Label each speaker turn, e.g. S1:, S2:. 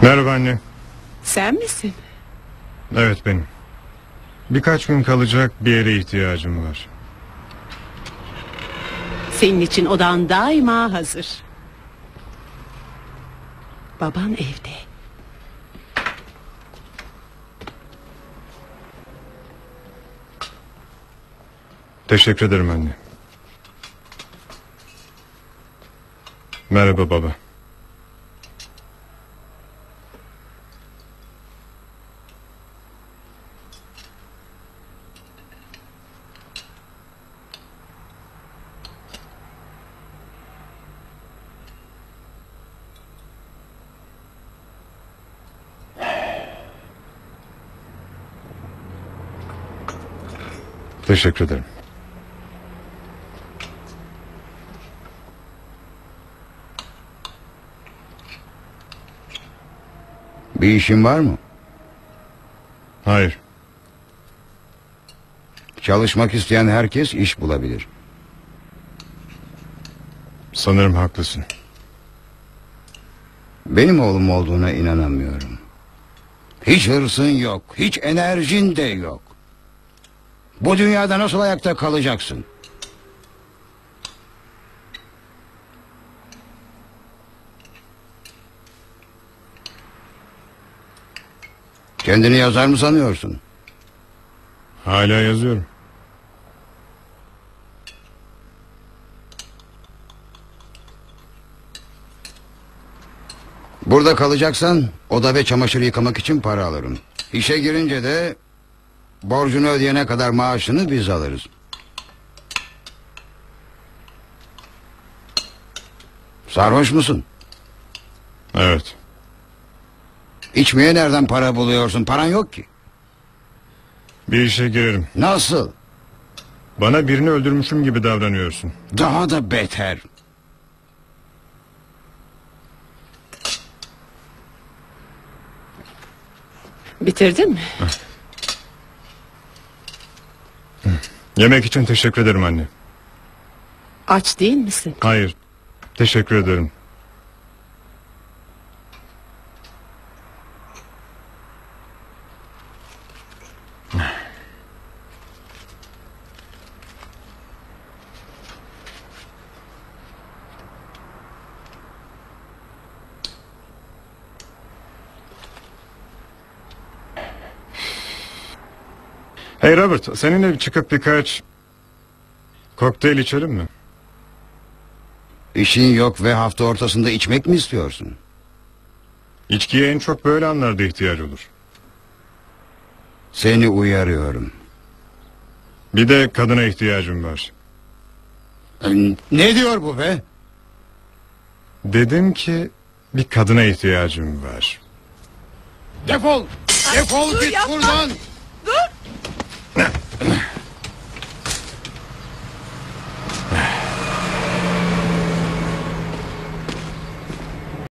S1: Merhaba anne.
S2: Sen misin?
S1: Evet benim. Birkaç gün kalacak bir yere ihtiyacım var.
S2: Senin için odan daima hazır. Baban evde.
S1: Teşekkür ederim anne. Merhaba baba. Teşekkür ederim.
S3: Bir işin var mı?
S1: Hayır.
S3: Çalışmak isteyen herkes iş bulabilir.
S1: Sanırım haklısın.
S3: Benim oğlum olduğuna inanamıyorum. Hiç hırsın yok, hiç enerjin de yok. Bu dünyada nasıl ayakta kalacaksın? Kendini yazar mı sanıyorsun?
S1: Hala yazıyorum.
S3: Burada kalacaksan oda ve çamaşır yıkamak için para alırım. İşe girince de borcunu ödeyene kadar maaşını biz alırız. Sarhoş musun?
S1: Evet.
S3: İçmeye nereden para buluyorsun? Paran yok ki.
S1: Bir işe girerim.
S3: Nasıl?
S1: Bana birini öldürmüşüm gibi davranıyorsun.
S3: Daha da beter.
S2: Bitirdin mi?
S1: Yemek için teşekkür ederim anne.
S2: Aç değil misin?
S1: Hayır. Teşekkür ederim. Hey Robert, seninle çıkıp birkaç kokteyl içelim mi?
S3: İşin yok ve hafta ortasında içmek mi istiyorsun?
S1: İçkiye en çok böyle anlarda ihtiyaç olur.
S3: Seni uyarıyorum.
S1: Bir de kadına ihtiyacım var.
S3: Ne diyor bu be?
S1: Dedim ki bir kadına ihtiyacım var.
S3: Defol! Defol
S2: dur,
S3: git
S2: yapma!
S3: buradan!